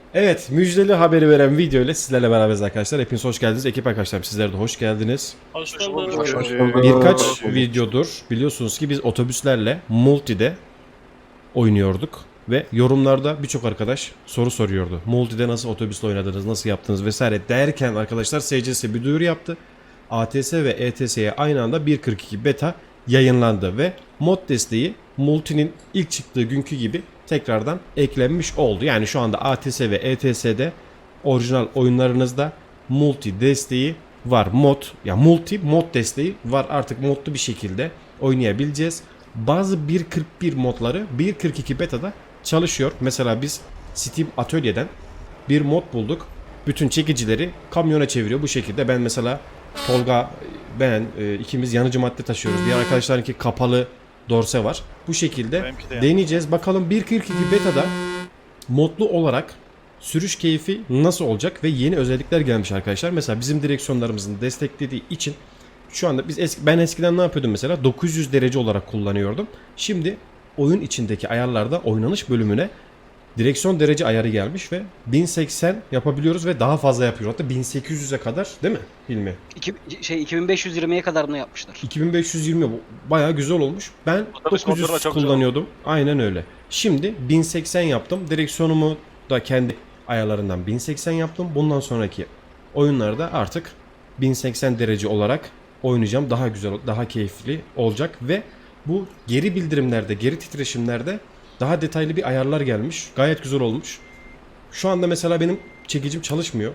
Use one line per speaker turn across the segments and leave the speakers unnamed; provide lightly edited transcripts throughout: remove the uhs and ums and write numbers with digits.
Evet, müjdeli haberi veren video ile sizlerle beraberiz arkadaşlar. Hepiniz hoş geldiniz. Ekip arkadaşlarım sizler de hoş geldiniz.
Hoş bulduk.
Hoş bulduk.
Birkaç videodur biliyorsunuz ki biz otobüslerle multide oynuyorduk. Ve yorumlarda birçok arkadaş soru soruyordu. Multide nasıl otobüsle oynadınız, nasıl yaptınız vesaire derken arkadaşlar SCS bir duyuru yaptı. ATS ve ETS'ye aynı anda 1.42 beta yayınlandı ve mod desteği multinin ilk çıktığı günkü gibi tekrardan eklenmiş oldu. Yani şu anda ATS ve ETS'de orijinal oyunlarınızda multi desteği var. Multi mod desteği var. Artık modlu bir şekilde oynayabileceğiz. Bazı 1.41 modları 1.42 beta'da çalışıyor. Mesela biz Steam Atölye'den bir mod bulduk. Bütün çekicileri kamyona çeviriyor bu şekilde. Ben mesela Tolga, ikimiz yanıcı madde taşıyoruz. Diğer arkadaşlarınki kapalı dorse var. Bu şekilde deneyeceğiz. Bakalım 1.42 beta'da modlu olarak sürüş keyfi nasıl olacak ve yeni özellikler gelmiş arkadaşlar. Mesela bizim direksiyonlarımızın desteklediği için şu anda ben eskiden ne yapıyordum mesela 900 derece olarak kullanıyordum. Şimdi oyun içindeki ayarlarda oynanış bölümüne direksiyon derece ayarı gelmiş ve 1080 yapabiliyoruz ve daha fazla yapıyor. Hatta 1800'e kadar değil mi Hilmi?
2520'ye kadar bunu yapmışlar.
2520 bu bayağı güzel olmuş. Ben
Otobüs
900
motoruna çok
kullanıyordum. Aynen öyle. Şimdi 1080 yaptım. Direksiyonumu da kendi ayarlarından 1080 yaptım. Bundan sonraki oyunlarda artık 1080 derece olarak oynayacağım. Daha güzel, daha keyifli olacak ve bu geri bildirimlerde, geri titreşimlerde daha detaylı bir ayarlar gelmiş. Gayet güzel olmuş. Şu anda mesela benim çekicim çalışmıyor.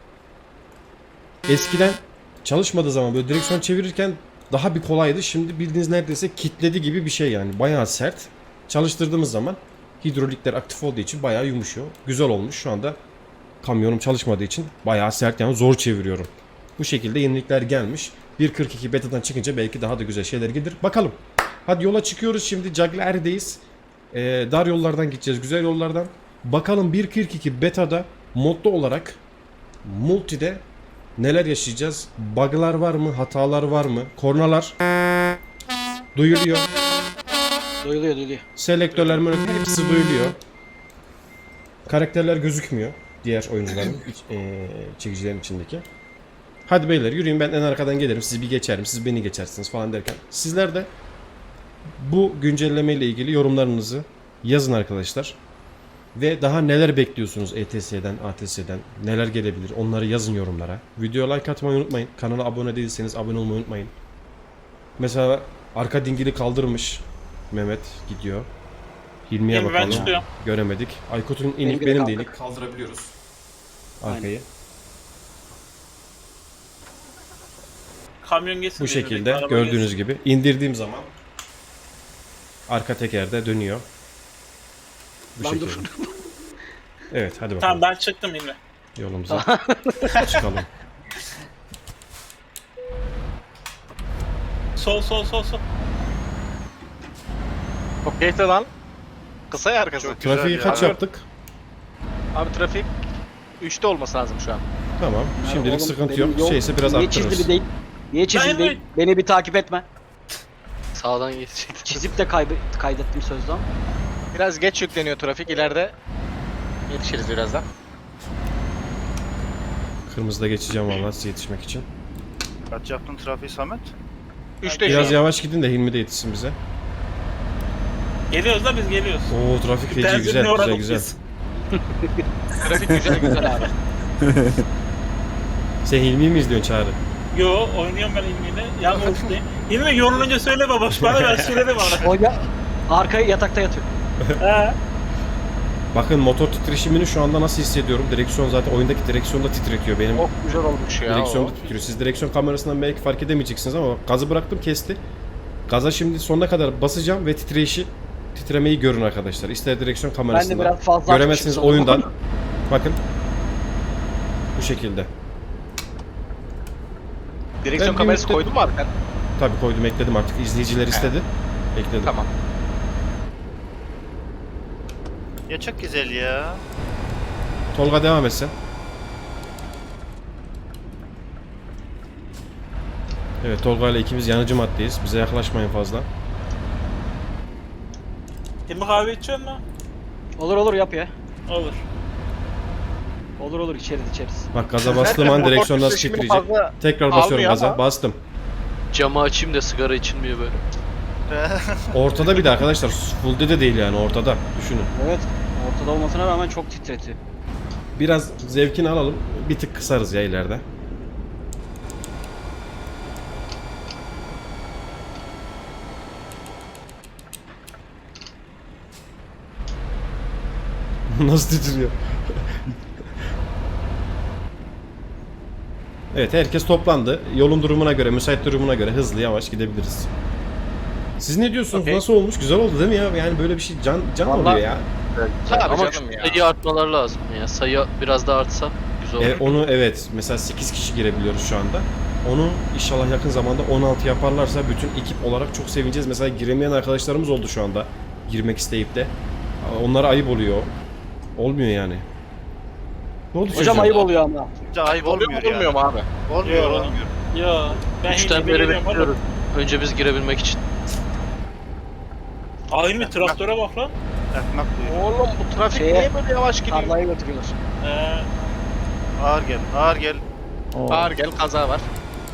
Eskiden çalışmadığı zaman böyle direksiyon çevirirken daha bir kolaydı. Şimdi bildiğiniz neredeyse kitledi gibi bir şey yani. Bayağı sert. Çalıştırdığımız zaman hidrolikler aktif olduğu için bayağı yumuşuyor. Güzel olmuş. Şu anda kamyonum çalışmadığı için bayağı sert yani zor çeviriyorum. Bu şekilde yenilikler gelmiş. 1.42 betadan çıkınca belki daha da güzel şeyler gelir. Bakalım. Hadi yola çıkıyoruz şimdi. Cagliari'deyiz. Dar yollardan gideceğiz. Güzel yollardan. Bakalım 1.42 betada modlu olarak multide neler yaşayacağız? Bug'lar var mı? Hatalar var mı? Kornalar duyuluyor.
Duyuluyor.
Selektörler hepsi duyuluyor. Karakterler gözükmüyor. Diğer oyuncuların çekicilerin içindeki. Hadi beyler yürüyün, ben en arkadan gelirim. Sizi bir geçerim. Siz beni geçersiniz falan derken. Sizler de bu güncelleme ile ilgili yorumlarınızı yazın arkadaşlar. Ve daha neler bekliyorsunuz ETS'den, ATS'den? Neler gelebilir? Onları yazın yorumlara. Videoya like atmayı unutmayın. Kanala abone değilseniz abone olmayı unutmayın. Mesela arka dingili kaldırmış. Mehmet gidiyor. Hilmi'ye
Hilmi, ben
bakalım.
çıkıyorum.
Göremedik. Aykut'un inik,
Benimki de
benim de
kalktık.
inik. Kaldırabiliyoruz. Arkayı.
Aynen.
Kamyon geçsin
Bu
diye
şekilde
dedik, araba
gördüğünüz
geçsin.
gibi indirdiğim zaman arka tekerde dönüyor. Bu
Lan
şekilde.
dur.
Evet hadi bakalım.
Tamam, ben çıktım Hilmi.
Yolumuza çıkalım.
Sol.
Çok keyifli lan. Kısa ya arkası.
Trafiği kaç yaptık?
Abi trafik 3'te olması lazım şu an.
Tamam. Şimdilik
Oğlum,
sıkıntı
benim
yok.
yol-
Şeyse biraz
Niye
arttırırız.
çizili değil? Niye çizili değil? Beni bir takip etme.
Sağdan geçecek.
Çizip de kaydettim sözde ama.
Biraz geç yükleniyor trafik. İleride yetişiriz birazdan.
Kırmızıda geçeceğim vallahi size yetişmek için.
Kaç yaptın trafiği Samet?
3'te
Biraz
şu an.
yavaş gidin de Hilmi de yetişsin bize.
Geliyoruz da biz geliyoruz.
Oo trafik feci,
Benzinliğe
güzel
uğradık
güzel.
biz.
Trafik güzel abi.
Sen Hilmi'yi mi izliyorsun Çağrı?
Yo, oynuyorum ben Hilmi'yle. Yalnız değil. Hilmi yorulunca söyle baboş bana, ben söyledim ona.
O ya arkaya yatakta yatıyor.
He.
Bakın motor titreşimini şu anda nasıl hissediyorum. Direksiyon zaten oyundaki direksiyon da titretiyor benim.
Çok güzel olmuş ya.
Direksiyon
o.
da titriyor. Siz direksiyon kamerasından belki fark edemeyeceksiniz ama bak, gazı bıraktım kesti. Gaza şimdi sonuna kadar basacağım ve titremeyi görün arkadaşlar. İster direksiyon
Ben de
kamerasından.
biraz fazla
Göremezsiniz
açmışım
oyundan.
sanırım.
Bakın. Bu şekilde.
Direksiyon
Ben
kamerası
bir-
koydun mu arkaya?
Tabii koydum, ekledim artık. İzleyiciler istedi. Ekledim.
Tamam.
Ya çok güzel ya.
Tolga devam etsen. Evet, Tolga ile ikimiz yanıcı maddeyiz. Bize yaklaşmayın fazla.
Hilmi kahve içiyor mu?
Olur yap ya.
Olur.
Olur olur içeriz.
Bak gaza bastığım an direksiyon nasıl titreyecek. Tekrar basıyorum
almıyor
gaza.
ama.
Bastım.
Camı açayım da sigara içilmiyor böyle.
Ortada bir de arkadaşlar. Full'de de değil yani ortada. Düşünün.
Evet. Ortada olmasına rağmen çok titretiyor.
Biraz zevkini alalım. Bir tık kısarız ya ileride. Nasıl titriyor? Evet, herkes toplandı. Yolun durumuna göre, müsait durumuna göre hızlı yavaş gidebiliriz. Siz ne diyorsunuz?
Okey.
Nasıl olmuş? Güzel oldu değil mi ya? Yani böyle bir şey can
Vallahi-
oluyor ya.
Tabii
Ama
canım ya.
sayı artmalar lazım ya. Sayı biraz daha artsa güzel olur.
Onu evet, mesela 8 kişi girebiliyoruz şu anda. Onu inşallah yakın zamanda 16 yaparlarsa bütün ekip olarak çok sevineceğiz. Mesela giremeyen arkadaşlarımız oldu şu anda. Girmek isteyip de. Onlara ayıp oluyor. Olmuyor yani. Ne oldu
Hocam
çocuğum?
ayıp oluyor ama.
Ayıp
Oluyor mu olmuyor mu abi?
Olmuyor
Yo.
olmuyor.
Yo. Ben
Üçten
Hilmi
beri
geliyorum oğlum.
bekliyoruz. Önce biz girebilmek için.
Aa Hilmi traktöre bak lan.
Ekmek buyur.
Oğlum bu trafik
Şeye-
niye böyle yavaş gidiyor?
Tarlaya götürüyorlar.
Ağır gel. Ağır gel.
Ağır gel kaza var.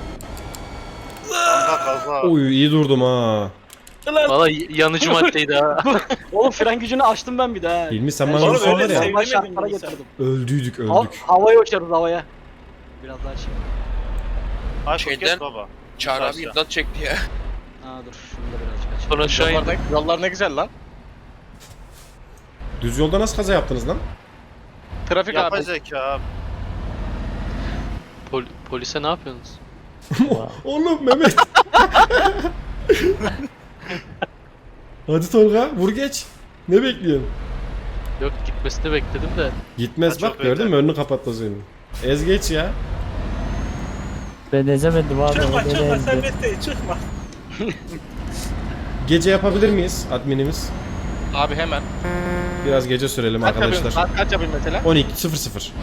Kanka kaza.
Oy iyi durdum ha.
Valla yanıcı maddeydi ha.
Oğlum fren gücünü açtım ben bir daha.
Hilmi sen
Ben
bana
Oğlum
bunu sor
öyle
var ya.
sev-
normal
Sevmedim
şartlara
bunu sen.
getirdim.
Öldüydük
Ha-
öldük.
havaya uçarız havaya. Biraz daha şey.
Aşk
Şeyden-
kes baba.
Çağrı abi
Aşağı.
imdat çekti ya.
Ha dur şunu da birazcık açayım.
Sonra aşağı
Yollar
indik.
ne, yollar ne güzel lan.
Düz yolda nasıl kaza yaptınız lan?
Trafik
Yapay
abi.
zeka abi.
Polise ne yapıyorsunuz?
Oğlum Mehmet. Hadi Tolga vur geç. Ne bekliyorsun?
Yok gitmesini bekledim de.
Gitmez
Ha, çok
bak gördün mü
öter.
önünü kapattı senin. Ez geç ya.
Ben ezemedim abi.
Çıkma
o beni
çıkma
ezdi.
sen Mesleği çıkma.
Gece yapabilir miyiz adminimiz?
Abi hemen.
Biraz gece sürelim
Kaç yapayım,
arkadaşlar.
saat kaç yapayım mesela?
12.00.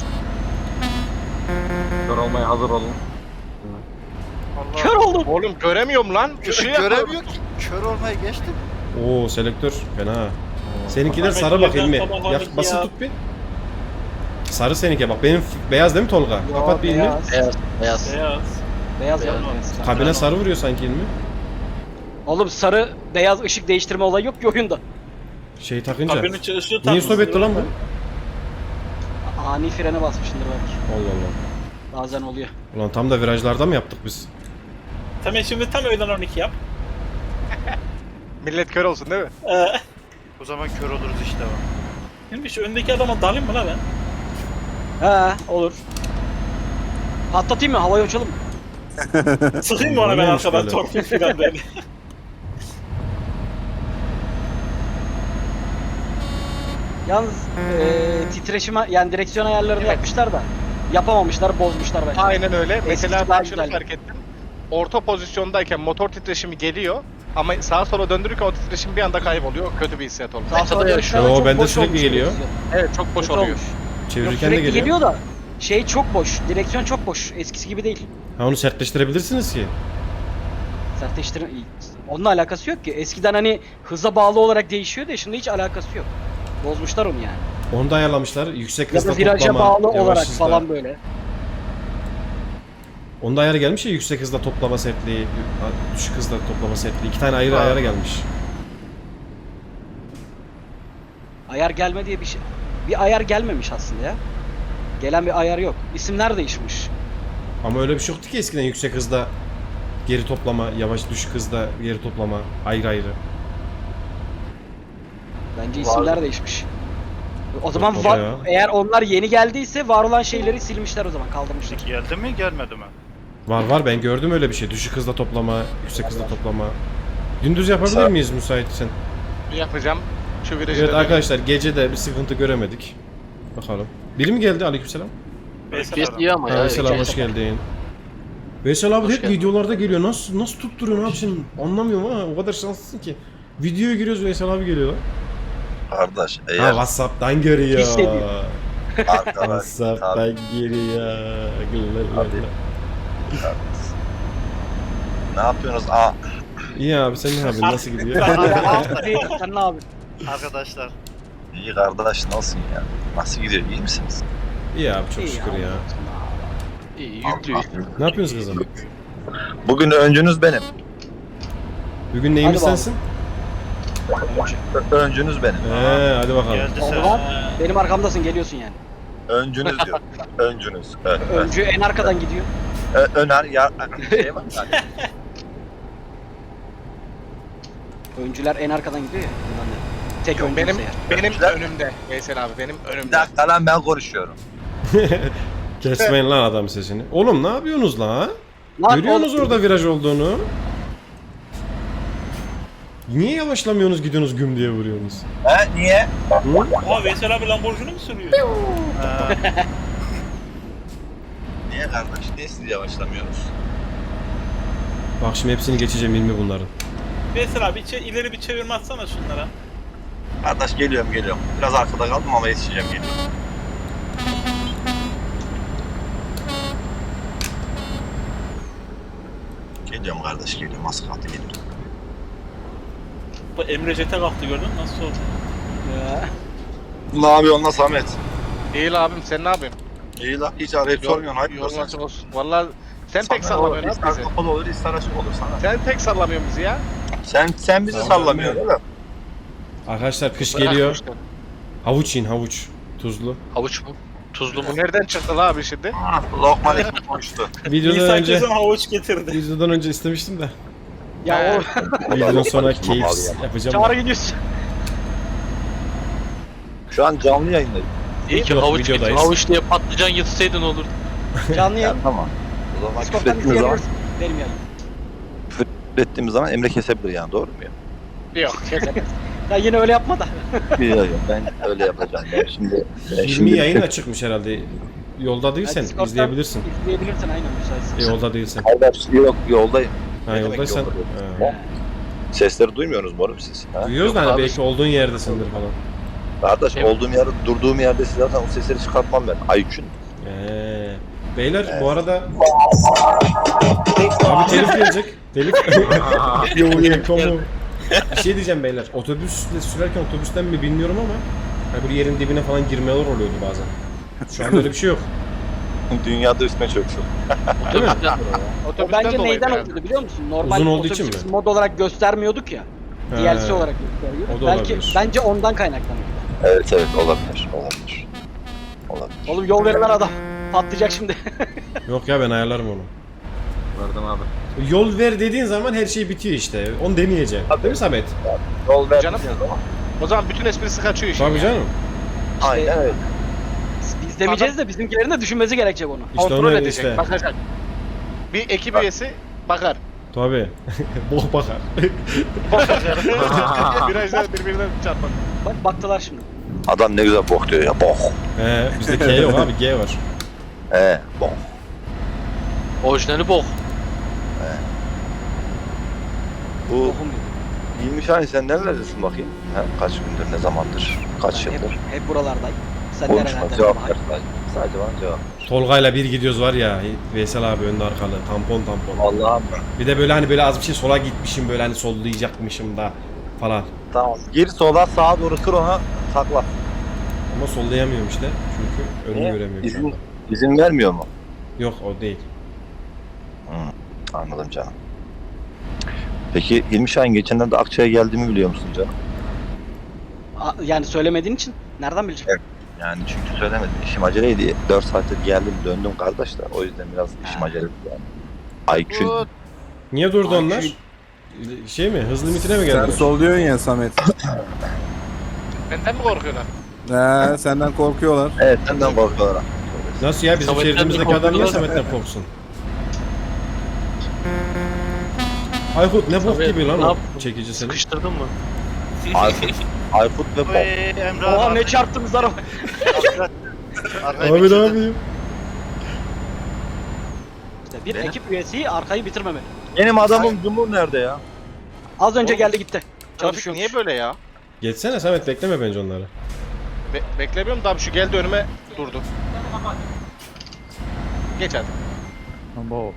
Allah.
Kör oldum.
Oğlum göremiyorum lan. Işığı
Göremiyor ki. Kör olmaya geçtim.
Oo selektör fena. Seninkiler
Ahmet
sarı bak
yerden
Hilmi.
sabah
Ya,
abi
basın
ya.
tut bir. Sarı seninki bak. Benim beyaz değil mi Tolga? Kapat bir Hilmi.
Beyaz.
Beyaz. Beyaz.
Beyaz.
Beyaz
Beyaz.
yapma.
Kabine sarı vuruyor sanki Hilmi.
Oğlum sarı beyaz ışık değiştirme olayı yok ki oyunda.
Şey takınca.
Kabinin ışığı
Niye
takmış.
stop etti lan bu?
Ani frene basmışsındır belki.
Allah Allah.
Bazen oluyor.
Ulan tam da virajlarda mı yaptık biz?
Tamam şimdi tam öğlen 12 yap.
Millet kör olsun değil mi?
O zaman kör oluruz işte bak.
Hilmi şu öndeki adama dalayım mı lan ben?
He olur. Patlatayım mı? Havaya uçalım mı?
Sıkayım mı ona ben
Neymiş
arkadan
böyle?
torpil filan böyle.
Yalnız titreşime yani direksiyon ayarlarını
Evet.
yapmışlar da yapamamışlar, bozmuşlar bence.
Aynen öyle. Mesela
Eskisi
ben
daha
şunu
güzeldi.
fark ettim. Orta pozisyondayken motor titreşimi geliyor ama sağa sola döndürürken o titreşim bir anda kayboluyor. Kötü bir hissiyat oluyor.
Sağ sola dönüşler
Yo,
çok
bende
boş
sürekli
olmuş
geliyor.
direksiyon.
Evet çok boş
Kötü
oluyor.
olmuş. Yok,
Çevirirken de
sürekli
geliyor.
geliyor da şey çok boş. Direksiyon çok boş. Eskisi gibi değil.
Ha onu sertleştirebilirsiniz ki.
Sertleştirme onunla alakası yok ki. Eskiden hani hıza bağlı olarak değişiyor da şimdi hiç alakası yok. Bozmuşlar onu yani.
Onu da ayarlamışlar. Yüksek
Ya
hızda
da viraja
toplama,
bağlı
yavaş
olarak
hızda.
falan böyle.
Onda ayarı gelmiş ya yüksek hızda toplama setliği, düşük hızda toplama setliği. 2 tane ayrı
Ha.
ayarı gelmiş.
Ayar gelme diye bir şey. Bir ayar gelmemiş aslında ya. Gelen bir ayar yok. İsimler değişmiş.
Ama öyle bir şey yoktu ki eskiden yüksek hızda geri toplama, yavaş düşük hızda geri toplama ayrı ayrı.
Bence isimler değişmiş. O zaman
baba ya.
eğer onlar yeni geldiyse var olan şeyleri silmişler o zaman kaldırmışlar.
Geldi mi gelmedi mi?
Var ben gördüm öyle bir şey. Düşük hızda toplama, yüksek hızda toplama. Gündüz yapabilir miyiz müsaitsen?
Yapacağım. Şu virajı
Evet
da
arkadaşlar gece de bir sıkıntı göremedik. Bakalım. Biri mi geldi? Aleykümselam.
Kes iyi ama ya.
Veysel abi hoş geldin. Veysel abi
Hoş
hep
geldin.
videolarda geliyor. Nasıl tutturuyor ne yapsın anlamıyorum ama o kadar şanslısın ki. Videoya giriyoruz Veysel abi geliyor.
Kardeş
Ha
eğer
Whatsapp'tan görüyor.
Hissediyor.
arkadaş
Whatsapp'tan giriyor.
Hadi. ne yapıyorsunuz?
İyi abi sen ne yapıyorsun? Nasıl gidiyor?
Sen ne abi?
Arkadaşlar.
İyi kardeş nasılsın ya? Nasıl gidiyor? İyi misiniz?
İyi abi çok
İyi
şükür ya.
İyi yüklü.
Ne yapıyorsunuz kızım?
Bugün öncünüz benim.
Bugün neyimiz
Hadi
sensin?
Öncünüz benim.
Hadi bakalım.
Geldi
O
sen.
zaman benim arkamdasın, geliyorsun yani.
Öncünüz diyor. Öncünüz.
Öncü en arkadan gidiyor.
Öner ya. Şey var yani.
Öncüler en arkadan gidiyor ya. Bundan da. Tek öncü
Benim
eğer.
benim
Güzel.
önümde. Veysel abi benim
Bir
önümde.
dakika lan ben konuşuyorum.
Kesmeyin lan adam sesini. Oğlum ne yapıyorsunuz la?
Lan
Görüyorsunuz
oğlum,
orada viraj olduğunu. Niye yavaşlamıyorsunuz gidiyorsunuz güm diye vuruyorsunuz?
He niye?
Aa Veysel abi Lamborghini mi sürüyor?
Ha,
Niye kardeş? Niye siz yavaşlamıyorsunuz?
Bak şimdi hepsini geçeceğim ilmi bunların.
Veysel abi ileri bir çevirme atsana şunlara.
Kardeş geliyorum. Biraz arkada kaldım ama yetişeceğim geliyorum. Geliyorum kardeş geliyorum. Az kaldı geliyorum.
Bu Emre Jet'e kalktı, gördün mü? Nasıl oldu?
Ya.
Ne yapıyorsun lan Samet?
Değil abim sen ne yapıyorsun?
İyi lan hiç arayıp sormuyorsun. Hayır
Yolun açık olsun. Valla sen pek sallamıyorsun abi bizi.
Kapalı olur, ister açık olur sana.
Sen pek sallamıyorsun bizi ya.
Sen bizi sallamıyorsun değil mi?
Arkadaşlar kış
Bırak
geliyor.
işte.
Havuç yiyin havuç. Tuzlu.
Havuç mu? Tuzlu mu?
Bu nereden çıktı la abi şimdi?
Lokman ekmek konuştu.
Videodan
Nisan
önce
kesin havuç getirdi.
videodan önce istemiştim de.
Ya o
Videodan sonra
Lokman
keyif
abi ya.
yapacağım.
çağrı gidiyorsun.
Şu an canlı yayındayım.
İyi ki
Yok,
havuç getir.
videodayız.
Havuç diye patlıcan yutsaydın olur.
Canlı
Ya
yayın.
tamam. O zaman küfür
Discord'dan
ettiğimiz zaman,
izleyebilirsin. Benim yayın.
küfür ettiğimiz zaman Emre kesebilir yani doğru mu ya?
Yok.
Ya yine öyle yapma da.
Yok ben öyle yapacağım. Ben
20 yayın açıkmış herhalde. Yolda değilsen
Ya Discord'dan
izleyebilirsin.
İzleyebilirsin aynen müsaitsin.
Yolda değilsen.
Kardeş yok yoldayım.
Ha
Ne demek
yoldaysan.
yolda?
Ha.
Sesleri duymuyorsunuz mu oğlum siz? Ha?
Duyuyoruz da
Yok
hani
abi.
belki olduğun yerdesindir falan.
Kardeş
Evet.
olduğum yerde durduğum yerde siz zaten o sesleri çıkartmam ben. Aykün.
Beyler bu arada abi telif gelecek. Telif. Yo komu. Bir şey diyeceğim beyler. Otobüsle sürerken otobüsten mi bilmiyorum ama hani böyle yerin dibine falan girmeler oluyordu bazen. Şu an öyle bir şey yok.
Dünyada üstüne çöksün.
Değil mi?
O
Otobüsten
bence
dolayı
neyden
yani.
oldu biliyor musun? Normal
Uzun olduğu için
otobüs
mi?
mod olarak göstermiyorduk ya. DLC
He.
olarak gösteriyor.
O da
Belki
olabilir.
bence ondan kaynaklanıyor.
Evet olabilir.
Oğlum yol verilen adam patlayacak şimdi.
Yok ya ben ayarlarım onu.
Verdim abi.
Yol ver dediğin zaman her şey bitiyor işte. Onu demeyeceğim. Değil mi Samet?
Yol ver.
Canım. O zaman bütün esprisi kaçıyor işin.
Tabii
ya.
canım.
Aynen öyle.
Biz demeyeceğiz de bizimkilerin de düşünmesi gerekecek onu.
İşte
Kontrol
onu
edecek,
işte.
bakacak. Bir ekip üyesi bakar.
Tabii. Bok bakar.
Virajlar birbirine çarpar.
Bak baktılar şimdi.
Adam ne güzel bok diyor ya bok.
Bizde K yok abi G var.
Bok.
Orijinali bok.
Bu
Bokum yok.
20 Şahin sen nerelerdesin bakayım? Ha, kaç gündür, ne zamandır, kaç
Ben hep,
yıldır?
hep buralardayım. Sen
Konuşma,
nerelerde?
cevap ver sadece. Sadece bana cevap ver.
Tolga'yla bir gidiyoruz var ya. Veysel abi önde arkalı. Tampon.
Allah'ım.
Bir de böyle hani böyle az bir şey sola gitmişim böyle hani sollayacakmışım da falan.
Tamam. Gir sola sağa doğru kır ona sakla.
Ama sollayamıyorum işte. Çünkü önümü
Niye?
göremiyorum şu anda.
İzin vermiyor mu?
Yok o değil.
Anladım canım. Peki İlmi Şahin geçenlerde Akçay'a geldiğimi biliyor musun canım?
Yani söylemediğin için nereden bilecek?
Yani çünkü söylemedim. İşim aceleydi. 4 saattir geldim döndüm kardeş de. O yüzden biraz işim aceleydi yani. Aykün.
Bu
Niye durdu onlar? Şey mi? Hız limitine mi
Sen
geldi?
solluyorsun ya Samet.
Benden mi korkuyorlar?
Senden korkuyorlar.
Evet senden korkuyorlar.
Nasıl ya? Bizim
Samet'ten
şehrimizdeki
de
adam niye
korkuyorlar.
Samet'ten korksun? Aykut ne bok
Samet,
gibi lan
ne
o
yaptın?
çekici seni.
Sıkıştırdın mı?
Aykut ve Bok.
Emre
Oha
abi.
ne çarptınız araba.
Arkayı
Abi ne
bitirdin.
yapayım?
İşte bir ekip üyesi arkayı bitirmemeli.
Benim adamım Cumhur nerede ya?
Az önce
Oğlum,
geldi gitti.
Trafik
Çalışıyor.
niye böyle ya?
Geçsene Samet bekleme bence onları.
Beklemiyorum da abi şu geldi önüme durdu. Geç hadi.
Abo.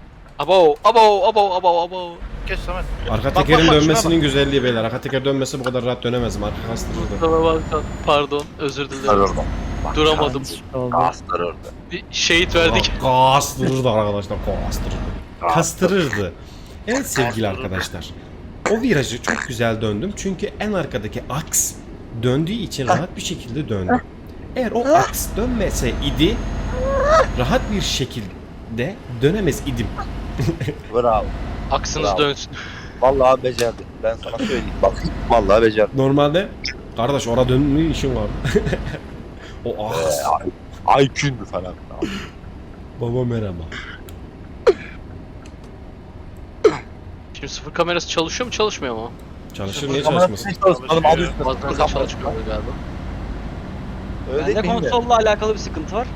Abo.
Geç Samet.
Arka
Bak,
tekerin
bak, şuna
dönmesinin güzelliği beyler. Arka teker dönmesi bu kadar rahat dönemezdim. Arka kastırırdı.
Pardon özür dilerim.
Pardon.
Duramadım.
Oldu.
Kastırırdı.
Bir şehit verdik.
Kastırırdı arkadaşlar, kastırırdı. Kastırırdı. Evet sevgili arkadaşlar. O virajı çok güzel döndüm çünkü en arkadaki aks döndüğü için rahat bir şekilde döndüm. Eğer o aks dönmese idi rahat bir şekilde dönemez idim.
Bravo.
Aksınız
Bravo.
dönsün.
Vallahi becerdi. Ben sana söyleyeyim. Bak vallahi becerdi.
Normalde kardeş orada dönme işin var. O aks.
Aykün mü falan.
Baba merhaba.
Şimdi sıfır kamerası çalışıyor mu çalışmıyor mu?
Çalışır niye çalışmasın?
Çalışmadım adı üstüne.
Bazen de çalışmıyor galiba.
Öyle
Bende
değil mi?
konsolla alakalı bir sıkıntı var.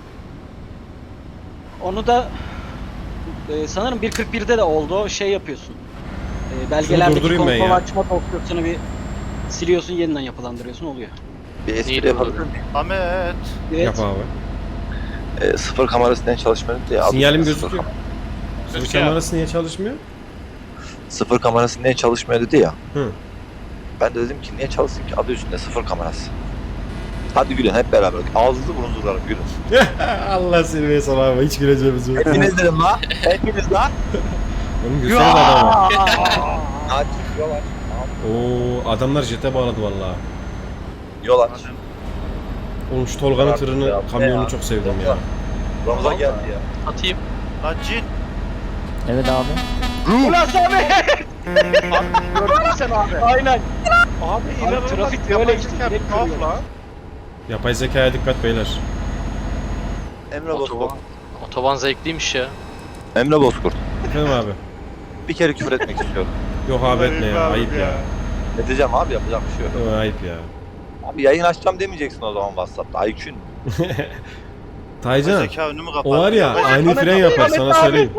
Onu da sanırım 1.41'de de oldu. O şey yapıyorsun. Belgelerdeki
durdurayım ben
konsol
ya.
açma opsiyonu bir siliyorsun, yeniden yapılandırıyorsun, oluyor.
Bir espri
Neydi
yapabilir
bu?
miyim?
Ahmet.
Evet.
Yap abi.
Sıfır kamerası neden çalışmıyor diye. adı
Sinyalim
üstüne sıfır
gözüküyor.
kam-
Sıfır
Gözüküyor.
kamerası niye çalışmıyor?
Sıfır kamerası niye çalışmıyor dedi ya.
Hı.
Ben de dedim ki niye çalışsın ki adı üstünde sıfır kamerası. Hadi gülün hep beraber. Ağzınızı burnunuzu kırarım gülün.
Allah seni ve sana hiç güleceğimiz yok.
Hepiniz dedim la. Hepiniz la.
Oğlum gülsene adamı.
Aç yol aç.
Oo adamlar jete bağladı vallahi.
Yol aç.
Oğlum şu Tolga'nın
Artık
tırını,
ya,
kamyonunu
ya.
çok sevdim ya.
Ramazan geldi ya.
Atayım.
Lan cin.
Evet abi.
Ulan Samet!
Gördün mü sen abi?
Aynen.
Abi inanılmaz.
trafik böyle işte,
Yapay
direkt
zeka tuhaf
görüyor.
lan.
Yapay zekaya dikkat beyler.
Emre Bozkurt.
Otoban. Otoban zevkliymiş ya.
Emre Bozkurt.
Efendim abi.
Bir kere küfür etmek istiyorum.
Yok abi etme ya, ayıp ya.
Edeceğim abi yapacak bir şey yok.
Yok, ayıp ya.
Abi yayın açacağım demeyeceksin o zaman WhatsApp'ta. Aykün.
Taycan,
Zeka önümü kapattı.
o var ya ani fren yapar sana söyleyeyim.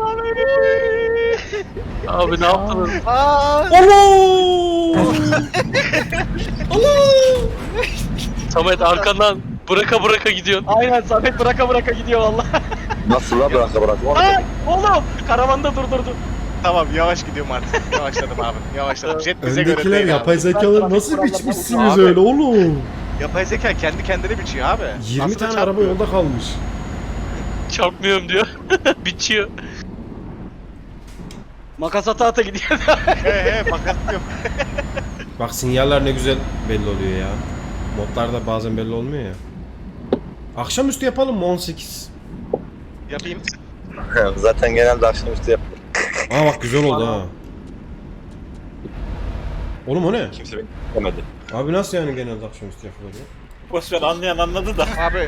Abi ne yaptınız? Samet arkandan bıraka gidiyorsun.
Aynen, Samet bıraka gidiyor valla.
Nasıl la bırak.
Ay oğlum, karavanda durdurdu.
Tamam yavaş gidiyorum artık. Yavaşladım abi. Yavaşladım. Jet bize göre
Öndekiler
değil
yapay
abi.
zekaları nasıl biçmişsiniz
Abi.
öyle oğlum?
Yapay zeka kendi kendine biçiyor abi.
20
Aslında
tane
çarpmıyor.
araba yolda kalmış.
Çarpmıyorum diyor. Biçiyor.
Makas ata gidiyor.
He makas yok.
Bak sinyaller ne güzel belli oluyor ya. Modlarda bazen belli olmuyor ya. Akşamüstü yapalım mı 18?
Yapayım.
Zaten genelde akşamüstü yapılır.
Aa bak güzel oldu ha. Oğlum o ne?
Kimse beni demedi.
Abi nasıl yani genelde akşamüstü yapılır ya?
Boşver, anlayan anladı da.
Abi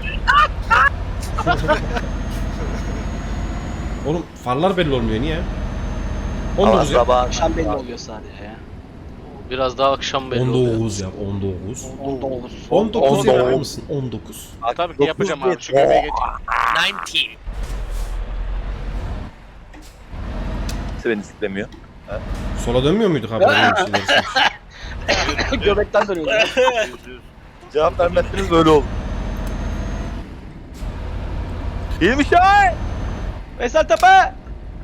Oğlum farlar belli olmuyor niye? 19 yap.
Sabah
Akşam belli oluyor sadece ya.
Biraz daha akşam belli oluyor.
19 yap 19.
Onda olur.
19 yapar mısın? 19.
tabii ki yapacağım abi. Şu göbeğe geç.
Kimse beni siklemiyor.
Sola dönmüyor muyduk abi? Böyle bir şeyler istemiş.
Göbekten dönüyor.
Cevap vermezseniz böyle olur. İyiymiş ya.
Veysel Tepe!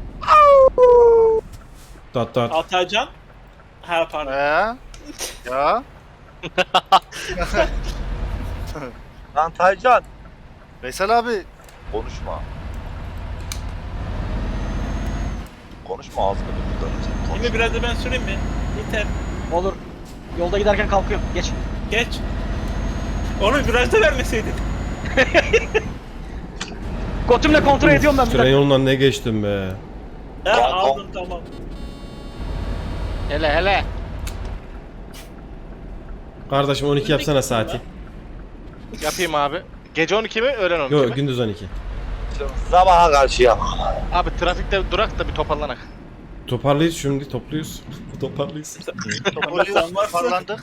Tat tat.
Atacan. Ha pardon.
Ya.
Lan Taycan.
Veysel abi.
Konuşma. Konuşma ağzını buradan.
Şimdi biraz da ben süreyim mi? Yeter.
Olur. Yolda giderken kalkıyorum. Geç.
Geç. Onu biraz da vermeseydin.
Götümle kontrol ediyorum ben bir
Tren
dakika.
yolundan ne geçtim be.
Ha aldım tamam.
Hele.
Kardeşim 12 yapsana saati.
Yapayım abi. Gece 12 mi? Öğlen 12
Yok
mi?
gündüz 12.
Sabaha karşı yap.
Abi trafikte durak da bir toparlanak.
Toparlıyız şimdi topluyoruz. Toparlıyız.
Toparlıyoruz. Toparlandık.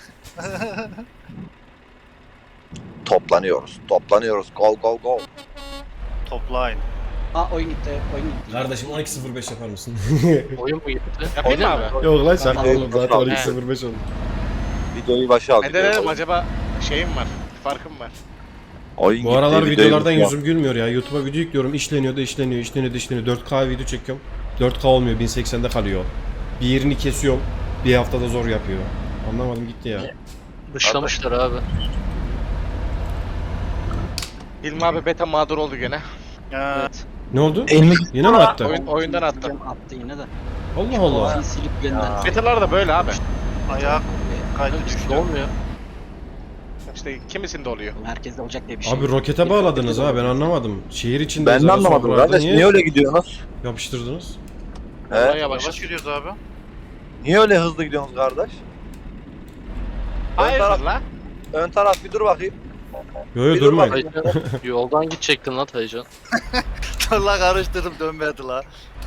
Toplanıyoruz. Go.
Toplayın.
Ha oyun gitti. Oyun gitti.
Kardeşim 12.05 yapar mısın?
Oyun mu gitti?
Yapayım mı abi?
Yok lan şaka
Tamam.
oğlum zaten 12.05 oldu.
Videoyu başa aldık.
Ne dedim acaba şeyim var. Farkım var.
Oyun
Bu
gitti,
aralar
videoyu
videolardan
unutma.
yüzüm gülmüyor ya. YouTube'a video yüklüyorum. İşleniyor. 4K video çekiyorum. 4K olmuyor. 1080'de kalıyor. Bir yerini kesiyorum. Bir haftada zor yapıyor. Anlamadım gitti ya.
Dışlamışlar abi.
Hilmi abi beta mağdur oldu gene.
Ya,
Evet.
Ne oldu?
Elini
Yine mi attı?
Oyundan attı.
Attı yine de.
Allah Allah.
Profiil silip gönder.
Betalar da böyle abi.
ayak kaydı düştü.
Olmuyor.
İşte kimisinde oluyor.
Herkeste olacak diye bir şey.
Abi
yok.
rokete bağladınız ha ben anlamadım. Şehir içinde
Ben de
özel
anlamadım
sokaklarda
kardeş. Niye öyle gidiyorsunuz?
yapıştırdınız?
Olay
He?
yavaş.
Yavaş yürüyoruz abi.
Niye öyle hızlı gidiyorsunuz kardeş?
Hayırdır la?
Ön taraf bir dur bakayım.
Yo yo
Bir dur
durmayın.
bakayım.
Taycan, yoldan gidecektin lan Taycan.
Allah karıştırdım dönmedi la.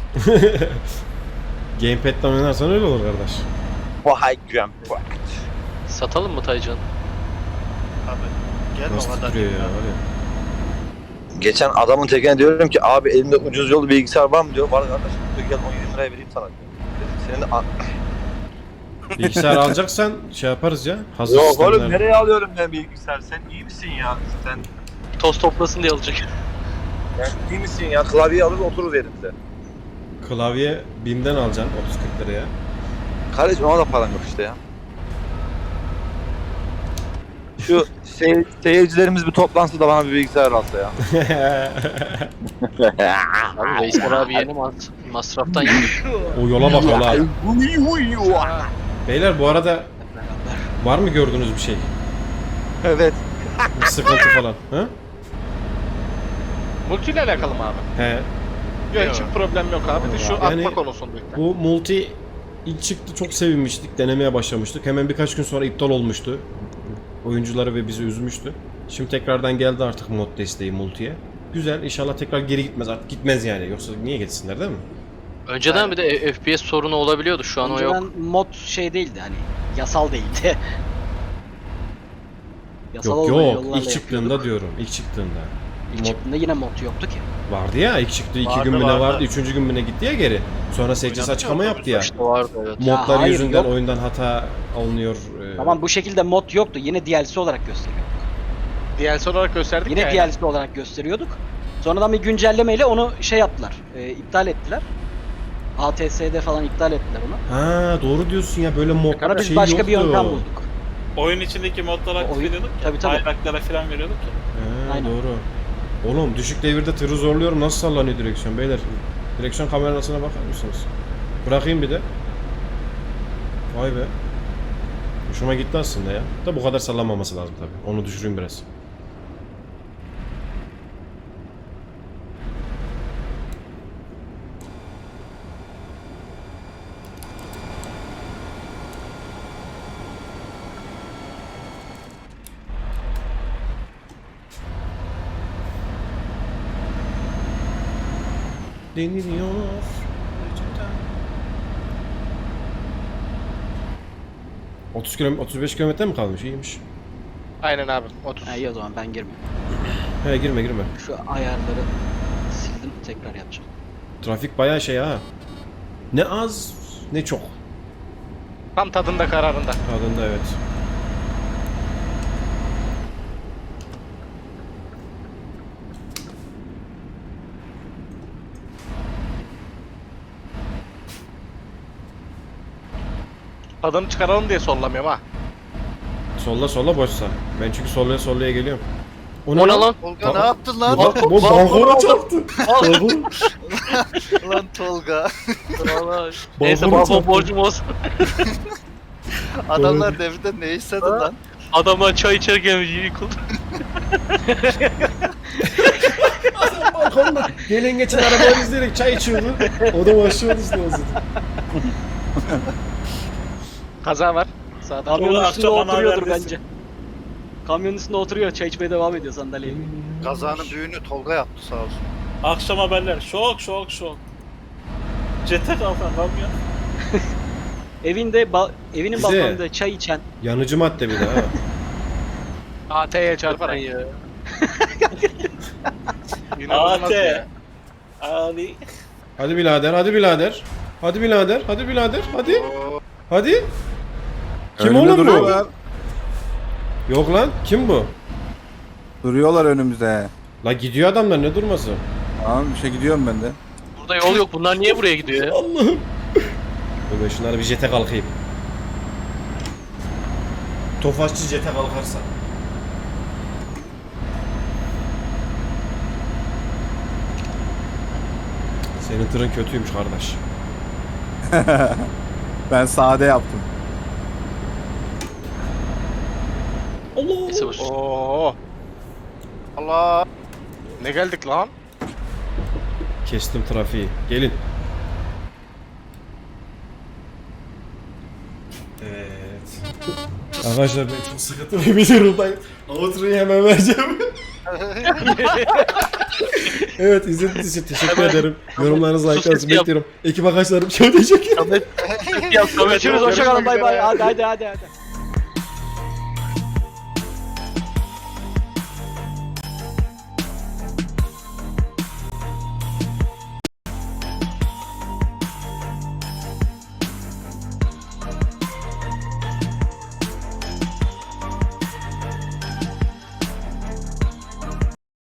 Gamepad'den oynarsan öyle olur kardeş.
Vay jump.
Satalım mı Taycan?
Abi gelme o
Nasıl
kadar.
titriyor ya var ya.
Geçen adamın tekine diyorum ki abi elimde ucuz yolu bilgisayar var mı diyor. Var kardeşim diyor gel 17 liraya vereyim sana diyor. Dedim senin de
Bilgisayar alacaksan şey yaparız ya. Hazır
Yok
sistemler.
oğlum nereye alıyorum ben bilgisayar? Sen iyi misin ya? Sen
Toz toplasın diye alacak.
iyi misin ya? Klavyeyi alır oturur yerimize.
Klavye BİM'den alacaksın 30-40 liraya.
Kardeşim ona da param yok işte ya. Şu seyircilerimiz bir toplansın da bana bir bilgisayar alsa ya.
Abi Veysel abi yeni masraftan yemiş.
O yola bak yola. Beyler bu arada var mı gördüğünüz bir şey?
Evet.
Bir sıkıntı falan. Ha?
Multi ile alakalı mı abi?
He.
Yok hiçbir problem yok abi. De şu
Yani-
atma konusunda.
Bu multi ilk çıktı çok sevinmiştik. Denemeye başlamıştık. Hemen birkaç gün sonra iptal olmuştu. Oyuncuları ve bizi üzmüştü. Şimdi tekrardan geldi artık mod desteği multiye. Güzel. İnşallah tekrar geri gitmez. Artık gitmez yani. Yoksa niye gitsinler değil mi?
Önceden bir de FPS sorunu olabiliyordu. Şu an o yok.
Önceden mod şey değildi hani yasal değildi. Yasal
Yok
olmayan
yok.
yollarla
İlk çıktığında
yapıyorduk.
diyorum. İlk çıktığında.
İlk
Mod
çıktığında yine mod yoktu ki.
vardı ya. İlk çıktı. 2
Vardı,
gün mü ne
vardı.
vardı? 3. gün mü ne gitti ya geri. Sonra SCS
Oynadık
açıklama
ya,
yaptı ya.
İşte vardı evet.
Ya
Modlar
hayır,
yüzünden
yok.
oyundan hata alınıyor.
Tamam bu şekilde mod yoktu. Yine DLC olarak gösteriyor.
DLC olarak gösterdik
Yine
ya.
DLC olarak gösteriyorduk. Sonradan bir güncellemeyle onu şey yaptılar. İptal ettiler. ATS'de falan iptal ettiler onu.
Ha doğru diyorsun ya böyle mod
Sonra biz
şey
başka
yoktu.
bir yöntem bulduk.
Oyun içindeki modları aktif
Oyun-
ediyorduk ya.
tabii, tabii.
Bayraklara falan veriyorduk ya.
Ha,
Aynen.
doğru. Oğlum düşük devirde tırı zorluyorum. Nasıl sallanıyor direksiyon beyler? Direksiyon kamerasına bakar mısınız? Bırakayım bir de. Vay be. Hoşuma gitti aslında ya. Da bu kadar sallanmaması lazım tabii. Onu düşüreyim biraz. Deniliyor. 30 kilometre, 35 kilometre mi kalmış? İyiymiş.
Aynen abi. 30.
Ha, iyi o zaman ben girmiyorum.
He girme girme.
Şu ayarları sildim tekrar yapacağım.
Trafik bayağı şey ha. Ne az ne çok.
Tam tadında kararında.
Tadında evet.
Tadını çıkaralım diye sollamıyorum ha.
Solla solla boşsa. Ben çünkü sollaya sollaya geliyorum.
O ne lan?
Tolga ne yaptın lan?
Bu balkona çarptı.
Lan Tolga.
Valla. Neyse
Balkonu
balkon
çarptı.
borcum olsun.
Adamlar devrede ne istedi lan?
Adamlar çay içerken yıkıldı.
Balkonda gelen geçen arabaları izleyerek çay içiyordu. O da başlıyordu işte o zaman.
Kaza var. Sağda.
Kamyonun
Tolga,
üstünde
akşam bana
oturuyordur
haber versin.
bence. Kamyonun üstünde oturuyor, çay içmeye devam ediyor sandalyeyle.
Kazanın büyüğünü Tolga yaptı sağ olsun.
Akşam haberler. Şok şok şok. Cete kalkan kamyon.
Evinin
Bize-
balkonunda çay içen
Yanıcı madde bir de ha.
AT'ye çarparak.
Ya.
İnanılmaz
AT.
ya.
Ali.
Hadi birader, hadi birader. Hadi birader, hadi birader, hadi. Hadi. Kim
Önümde
oğlum bu?
duruyorlar.
Yok lan, kim bu?
Duruyorlar önümüzde.
La gidiyor adamlar ne durması?
Tamam bir şey gidiyorum ben de.
Burada yol yok. Bunlar niye buraya gidiyor ya?
Allah'ım. Dur ben şunları bir jete kalkayım. Tofaşçı jete kalkarsa. Senin tırın kötüymüş kardeş.
Ben sade yaptım.
Neyse boş.
Oo. Allah. Ne geldik lan?
Kestim trafiği. Gelin. Evet. Arkadaşlar ben çok sıkıntılı bir durumdayım. Outro'yu hemen vereceğim. Evet, izlediğiniz için teşekkür ederim. Yorumlarınızı, like'larınızı
sesi yap.
bekliyorum. Ekip arkadaşlarım çok teşekkür ederim.
Görüşürüz hoşçakalın bay bay. Hadi.